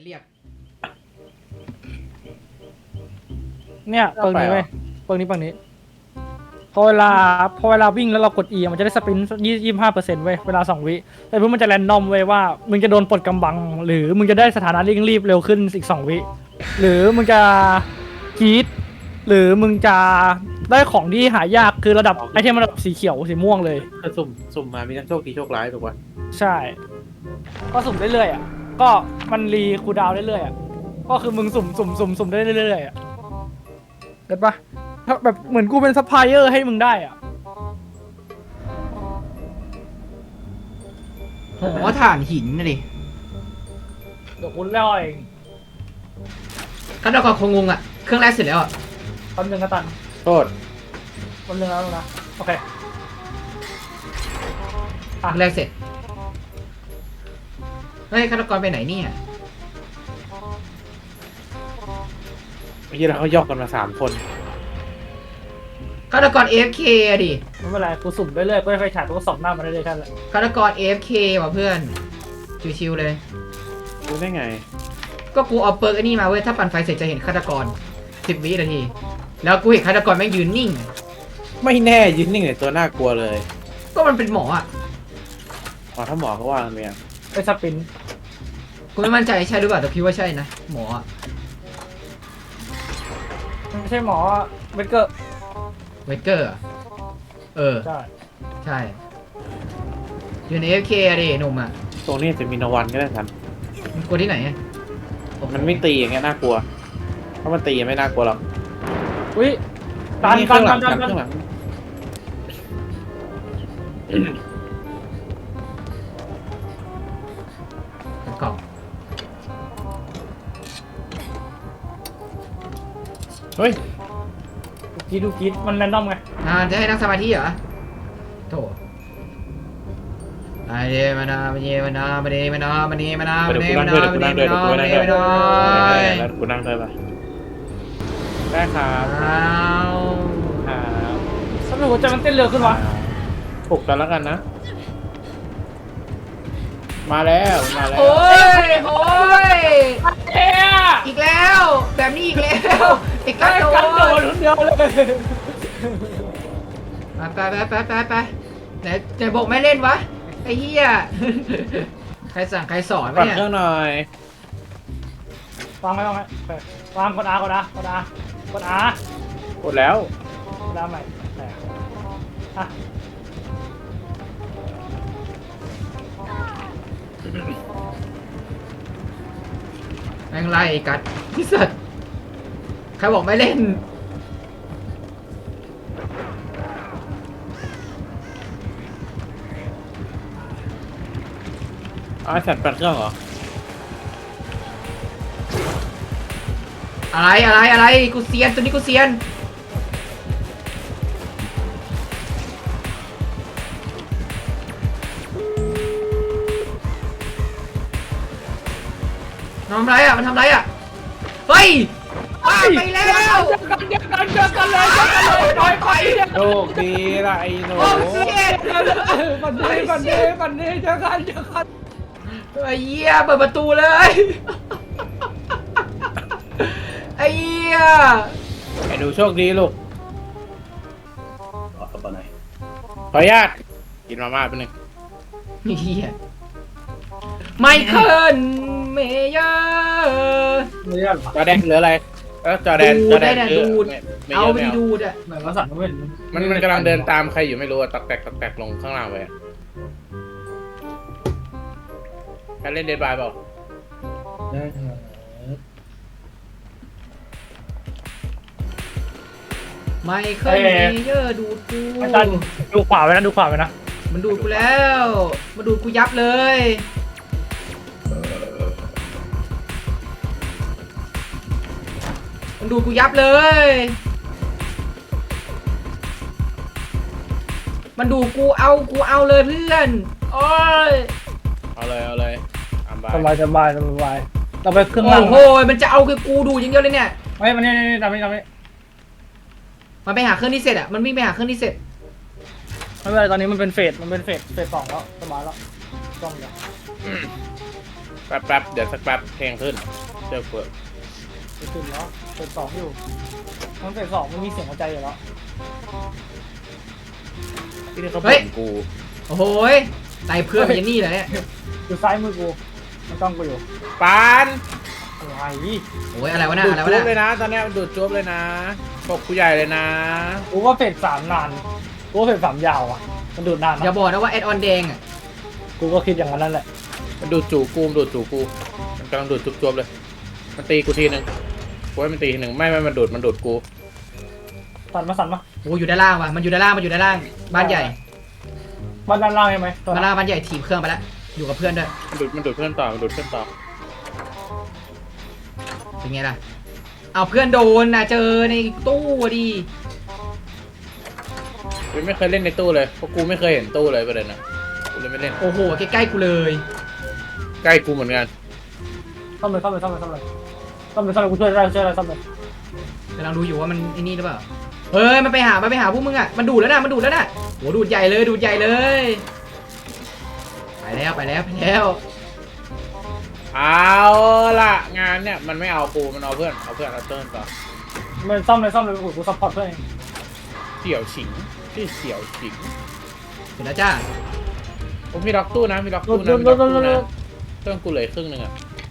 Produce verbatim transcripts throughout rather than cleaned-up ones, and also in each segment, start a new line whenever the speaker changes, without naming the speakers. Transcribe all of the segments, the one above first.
เรียก
เนี่ยเปิงนี้เว้ยเปิงนี้เปิงนี้พอเวลาพอเวลาวิ่งแล้วเรากด E มันจะได้สปรินต์ยี่ยี่ห้าเปอร์เซ็นต์เว้ยเวลาสองวิแต่เพื่อมันจะแรนดอมเว้ยว่ามึงจะโดนปลดกำบังหรือมึงจะได้สถานะเร่งรีบเร็วขึ้นอีกสองวิหรือมึงจะกรีดหรือมึงจะได้ของที่หายากคือระดับไอเทมระดับสีเขียวสีม่วงเลย
คือสุ่มสุ่มมามีทั้งโชคดีโชคร้ายถูกป่ะ
ใช่ ก็สุ่มเรื่อยๆอ่ะ ก็มันรีคูลดาวน์เรื่อยๆอ่ะ ก็คือมึงสุ่มสุ่มสุ่มสุ่มได้เรื่อยๆอ่ะเก็ตปะถ้าแบบเหมือนกูเป็นซัพพลายเออร์ให้มึงได้อ่ะ
หอถ่านหินนะดิ
เดี๋ยวคุณเล่าเอง
ฆาตกรคงงงอ่ะ เครื่องแรกเสร็จแล้วอ่ะ
ตอนหนึ่งกระตัน
โทษ
ตอนหนึ่งแล้วนะ โอเค
เครื่องแรกเสร็จ เฮ้ยฆาตกรไปไหนเนี่ย
เมื่อกี้เราเขายอกกันมาสามคน
ฆาตกร เอ เอฟ เค อะดิ
ไม่เป็นไร กูสุ่มเรื่อยๆกูให้ไฟฉายกูก็ส่องหน้ามันเรื่อยๆแค่นั้นแหละ
ฆาตกร เอ เอฟ เค ว่ะเพื่อน ชิวๆเลย
รู้ได้ไง
ก็กูเอาเปิร์กไอ้นี่มาเว้ย ถ้าปั่นไฟเสร็จจะเห็นฆาตกรสิบวินาที แล้วกูเห็นฆาตกรแม่งยืนนิ่ง
ไม่แน่ยืนนิ่งในตัวน่ากลัวเลย
ก็มันเป็นหมออ่ะ
อ๋อถ้าหมอเขาว่ากันเนี่ย
ไปสปรินต์
กูไม่มั่นใจใช่หรือเปล่าแต่พี่ว่าใช่นะ หมออ่ะ
ไม่ใช่หมอเบเกอร์
เวเกอร์อะเออ
ใช่
ใช่อยู่ใน เอ เอฟ เค อะดิหนุ่มอ่ะ
ตรงนี้จะมีนวันก็ได้ทัน
มันกลัวที่ไหนอะ
มันไม่ตีอย่างเงี้ยน่ากลัว ถ้ามันตีไม่น่ากลัวหรอก
อุ้ยตัน
นี่
ตั
ข้าน งห
ตั
ลั
น
ง
ตัน
ข้างหลัง
เป็นกล่อง
เฮ้ย
ดูกรีดดูกรีดมันแรนดอมไง
อ่าจะให้นั่งสมาธิเหรอโถไอเดมานามาเยมานามาเดมานามาเดมานา
เดี๋
มา
ยว
เด
กู
มา
นั่ง
นา
ด้วย
มา
เดี๋ยว
เด
กู
มา
นั่ง
นา
ด้วย
มา
เดี๋ยว
เด
กูนั่งด้วย
มานา
แล้วกูนั่งด้วยปะได้ครับ
อ้าว
ครับ
ทำไมหัวใจมันเต้นเร็วขึ้นวะ
ปลุกกันแล้วกันนะ มาแล้วมาแล้ว
โอ้ยโอ้ย
เอ๊ะ
อีกแล้วแบบนี้อีกแล้วอีก
ไอ้
แล้ว
กันโดนคนเดียวเลย
ไปไปไปไปไปไหนไหนบอกไม่เล่นวะไอ้เหี้ยใครสั่งใครสอน
ปั
วะ
ด
เนี่ย
เครื่องหน่อย
วางไว้วางไว้โอเควางกดอากดอากดอากดอาก
ดแล้ว
กดอาใหม่แต่อ่ะ
แม่งไล่ไอ้กัดที่สัตว์ใครบอกไม่เล่น
อ๋อสัตว์ปัดเครื่องเหรอ
อะไรอะไรอะไรกูเซียนตัวนี้กูเซียนมันทำไรอ่ะมันทำไรอ่ะเฮ้ยอ้าวไปแล้ว
เจอกันเจอกันเจอกันเลยเจอกันเลยต่อยต่อย
โชคดีละไอ้หนู
โอ้เซียน
ปันนี้ปันนี้ปันนี้เจอกันเจอกัน
ไอ้เหี้ยเปิดประตูเลยไอ้เหี้ย
ไอ้หนูโชคดีลูกขอตัวหน่อยขออนุญาตกินมาม่าแป๊บนึง
ไอ้เหี้ยไมเคิลเมเยอร์
ไม่ใช่หรอ
จอแดนเหลืออะไรเออจอแดน
ดู
จ
ด
อแด
ได้
น
นะ
เยอะ
ดูด
ไม่ไม่
เอา
เยอะ
ไป
ไม่เอา
ดูดอ่ะ
เหมือนว่าสั่งเว้น
มันมันกำลังเดินตามใครอยู่ไม่รู้อะตักแตกตักแตกลงข้างล่างไปอะใครเล่นเดดบายเปล่า
ไมเคิลเมเยอร์ดูดกู
อาจารย์ดูขวาไว้นะดูขวาไว้นะ
มันดูดกูแล้วมาดูดกูยับเลยมันดูดกูยับเลย มันดูดกูเอากูเอาเลยเพื่อนโอ้ย
เอาเลยเอาเลยอัมบาย
สบายสบายสบายเราไปเครื่อง
โอ้
ล่าง
โหมันจะเอาคือกูดูดอย่างเดียวเลยเนี่ย
ไม่มันนี่นี่ทำนี่ทำนี่
มันไปหาเครื่องที่เสร็จอ่ะมันวิ่งไปหาเครื่องที่เสร็จ
ไม่เป็นไรตอนนี้มันเป็นเฟสมันเป็นเฟสเฟสสองแล้วสบายแล้วต้องอย่าง
แป๊บแป๊บเดี๋ยวสักแป๊บเพลงขึ้นเจอเปิด
จะตื่นแล้วเปิดสองอยู่มันเปิดสองมันมีเสียงหัวใจอยู่แล้ว
ที่นี่เขาบ่นกู
โอ้โหยไต่เพื่อนไปยันนี่เลยเนี่ย
อยู่ซ้ายมือกูมันต้องกูอยู่
ปาน
อะไร
โอ้ยอะไรวะน่ะ
ดูด
อะไรวะ
จุ๊บ
น่ะ
เลยนะ ตอนเนี้ยดูดจุ๊บเลยนะปกกูใหญ่เลยนะ
กูว่าเฟสสามนานกูว่าเฟสสามยาวอ่ะมันดูดนาน
อย่า
นะ
บอกนะว่าแอดออนแดงอ่ะ
กูก็คิดอย่างนั้นนั่นแหละ
มันดูดจูกูมันดูดจูกูมันกำลังดูดจุ๊บจุ๊บเลยมันตีกูทีนึงกูให้มันตีทีหนึ่งไม่ไม่มันดูดมันดูดกู
สั่นมาสั่นมา
โอ้ยอยู่ด้านล่างว่ะมันอยู่ด้านล่างมันอยู่ด้านล่างบ้านใหญ่
บ้านด้านล่างใช่ไหมตัว
บ้าน
นั้น
ล่างบ้านใหญ่ถีบเครื่องไปแล้วอยู่กับเพื่อนด้วย
มันดูดมันดูดเพื่อนต่อมันดูดเพื่อนต่อ
เป็นไงล่ะเอาเพื่อนโดนนะเจอในตู้อะดิ
กูไม่เคยเล่นในตู้เลยเพราะกูไม่เคยเห็นตู้เลยประเด็นนะกูเลยไม่เล่น
โอ้โหใกล้ๆกูเลย
ใกล้กูเหมือนกัน
ซ่อมเลยซ่อมเลยซ่อมเลยซ่อมเลยซ่อมเลยซ่อมเลยกูช่วยได้ช่วยได้ซ่อมเลย
กำลังดูอยู่ว่ามันไอ้นี่หรือเปล่าเฮ้ยมันไปหามันไปหาพวกมึงอ่ะมันดูดแล้วนะมันดูดแล้วนะโหดูดใหญ่เลยดูดใหญ่เลยไปแล้วไปแล้วไปแล้ว
เอาล่ะงานเนี่ยมันไม่เอากูมันเอาเพื่อนเอาเพื่อนเอาเติ้ลต่อ
มันซ่อมเลยซ่อมเลยกูกูซัพพอร์ตเพื่อนเอง
เสี่ยวฉิงที่เสี่ยวฉิง
เสร็จแล้วจ้า
ผมมีล็อกตู้นะมีล็อก
ร
ตู้
ถ
นะ
รถ
มี
ร
ล็อ
ถ
ก
รถ
ตู้
ร
นะ
ถ
เครื่องกูเหลือครึ่งหนึ่งอะ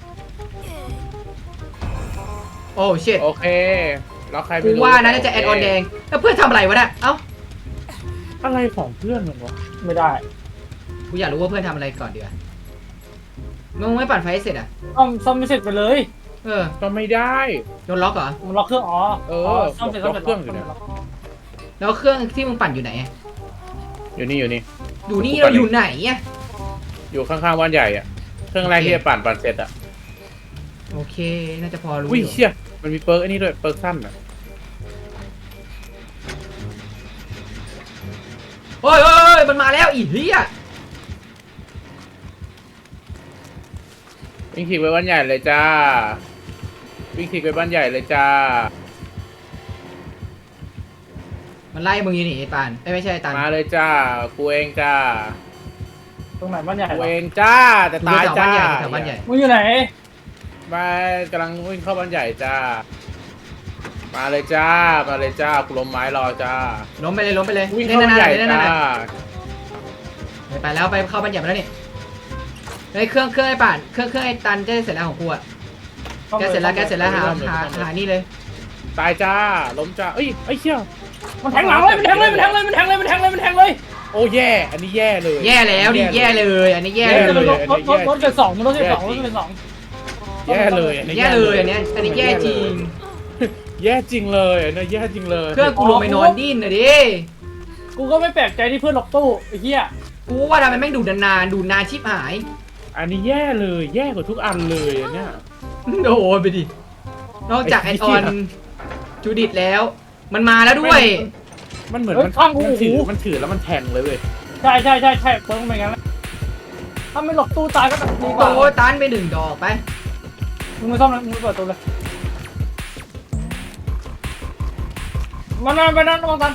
โอ้เชิด
โอเคล็อกใครไม่
กู
รู้
ว่านะน่าจะแอดออนแดงแล้วเพื่อนทำอะไรวะน่ะเอ้า
อะไรของเพื่อนมันวะ
ไม่ได้
กูอยากรู้ว่าเพื่อนทำอะไรก่อนเดี๋ยวมึงไม่ปั่นไฟให้เสร็จอ่ะ
ซ่อมซ่อมไม่เสร็จไปเลย
เออ
ก็ไม่ได้
โดนล็อกเหรอ
มันล็อกเครื่องอ๋อ
เออ
ซ่อมเสร็จซ่อมเสร็จ
ล็อกเครื่องอยู่เนี่ย
แล้วเครื่องที่มึงปั่นอยู่ไหนอะ
อยู่นี่อยู่นี่
อยู่นี่เราอยู่ไหนอ่ะ
อยู่ข้างๆบ้านใหญ่อะเครื่องแรกที่จะปั่นปั่นเสร็จอะ
โอเคน่าจะพอรู้
อุ้ย
อยู่
เชี่ยมันมีเปิร์กไอ้นี่ด้วยเปิร์กสั้นอะ
โอ้ยโอ้ยโอ้ยมันมาแล้วอีเหี้ย
วิ่งขี่ไปบ้านใหญ่เลยจ้าวิ่งขี่ไปบ้านใหญ่เลยจ้า
มันไล่มึงอยู่นี่ไอ้ปานเอ้ยไม่ใช่ไอ้ตัน
มาเลยจ้ากูเองจ้า
ตรงไหนบ้านใหญ่
กู
เหรอ
เองจ้าแต่ตายจ้า
แถวบ้านใหญ่
มึงอยู่ไหน
มากำลังวิ่งเข้าบ้านใหญ่จ้า มาเลยจ้ามาเลยจ้ากูล้มไม้รอจ้า
ล้มไปเลยล้มไปเลย
วิ่ง
เล่น
เข้าบ้าน
นาน
ใหญ่
ๆเล่น
จ้า
นานๆไปแล้วไปเข้าบ้านใหญ่มาแล้วนี่ไอ้ยเครื่องเครื่องไอ้ป่านเครื่องเครื่องไอ้ตันจะเสร็จแล้วของกูอะแกเสร็จแล้วแกเสร็จแล้วหาหาหานี่เลย
ตายจ้าล้มจ้าเอ้ยไอ้เชี่ย
มันแทงหลังเลยมันแทงเลยมันแทงเลยมันแทงเลยมันแทงเลยมันแทงเลย
โอ้แย่อันนี้แย่เลย
แย่แล้วดิแย่เลย อันนี้แย่
เฮ้ย
เลย
รถรถรถรถเกิดสองมันรถเกิดสองรถเกิดสอง
แย่เลยอันนี้
แย่เลยอันเนี้ยอันนี้แย่จริง
แย่จริงเลยอันนี้แย่จริงเลย
เครื่องกูลงไปนอนดิ้นน่ะดิ
กูก็ไม่แปลกใจที่เพื่อนล็อกตู้ไอ้เหี้ย
กูว่าทำไมแม่งดูดนานๆดูนานชิบหาย
อันนี้แย่เลยแย่กว่าทุกอันเลยอันเนี้ย
โดนไปดินอกจากแอ
ไอ้
ด
เหี้
อย อนจูดิตแล้ว มันมาแล้วด้วย
มันเหมือน
เฮ้ย
มัน
ข้างกู
มันถือ
โอ้โห
มันถือแล้วมันแทงเลยเว้ย
ใช่ใช่ใช่ใช่เพิ่งเป็นงั้นแหละถ้าไม่ล็อกตู้ตายก็ดีกว่า
โอ้ตันไปหนึ่งดอกไป
มึงไม่ซ่อมเลยมึงไม่เปิดตัวเลยมันนั่นไปนั่นมองตัน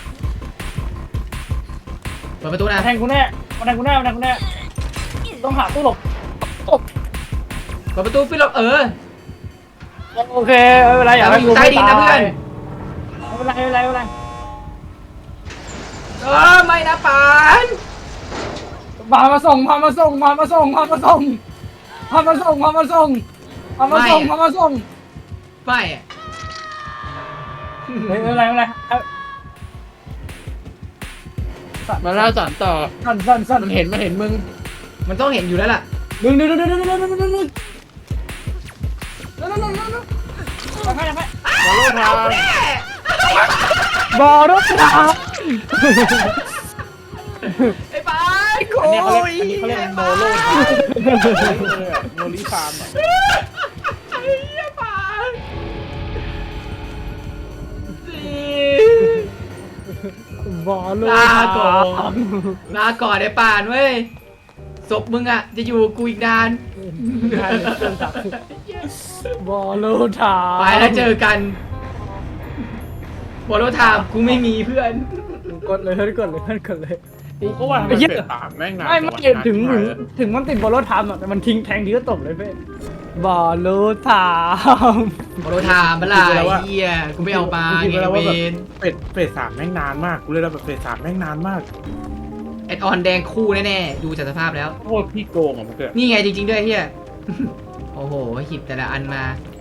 เปิดประตูนะ
มาแทงกูแน่มาแทงกูแน่มาแทงกูแน่ต้องหาตู้หลบตบ
เปิดประตูฟิลลเออ
โอเคไม่เป็นไรอย่าให้
เราอยู่ใต้ดินนะเพื่อน
ไม่เป็นไรไม่เป็นไรไม่เป็นไร
เออไม่นะปาน
พามาส่งพามาส่งพามาส่งพามาส่งพามาส่งพามาส่งพามาส่งพามาส่ง
ไม่อะ
ไม่เป็นไรไม่เป็นไร
มาเล่าสอนต่อ
สั่นสั่นสั่น
มันเห็นมันเห็นมึง
มันต้องเห็นอยู่แล้วล่ะ
ดึงดึงดึงดึงดึงดึงดึงดึงดึงดึงดึงดึงดึงไปไปไป
มาโลทาง
บอรถทาง
ไอ้ปานโก
อันนี้เขาเรียก
ย
อันนี้เขาเรียกโมโลทางโมลิฟาร์มอะ
ไอ้เหี้ยปานสิ
บอรถ
ลาก่อนลาก่อนไอ้ปานเว้ยศพมึงอะจะอยู่กูอีกนาน
บอรถทาง
ไปแล้วเจอกันบอลรถถามกูไม่มีเพื่อน
กดเลยเพื่อนกดเลยเพื่อนกดเลย
กูก็ว่าทำไม
ไอ้เหี้ย
เฟสสามแม่งนาน
ไม่ไม่
จัวะ
ถึง
นาน
ถึง
ชิบหายเลย
ถึงมันติดบอลรถทามอะแต่มันทิ้งแทงทีก็ตบเลยเพ่บอลรถทาม
โมโรทามเมื่อไหร่เฮียกูไม่เอามา
กูคิด
ไง
ไว้แล้ว
เว
ว่าแบบ
น
เฟสเฟสสามแม่งนานมากกูเลยแล้วแบบเฟสสามแม่งนานมาก
แอดออนแดงคู่แน่ๆดูจากสภาพแล้ว
โคตรพี่โกงอ่ะมันเกิด
นี่ไงจริงๆด้วยเฮีย โอ้โหหิบแต่ละอันมา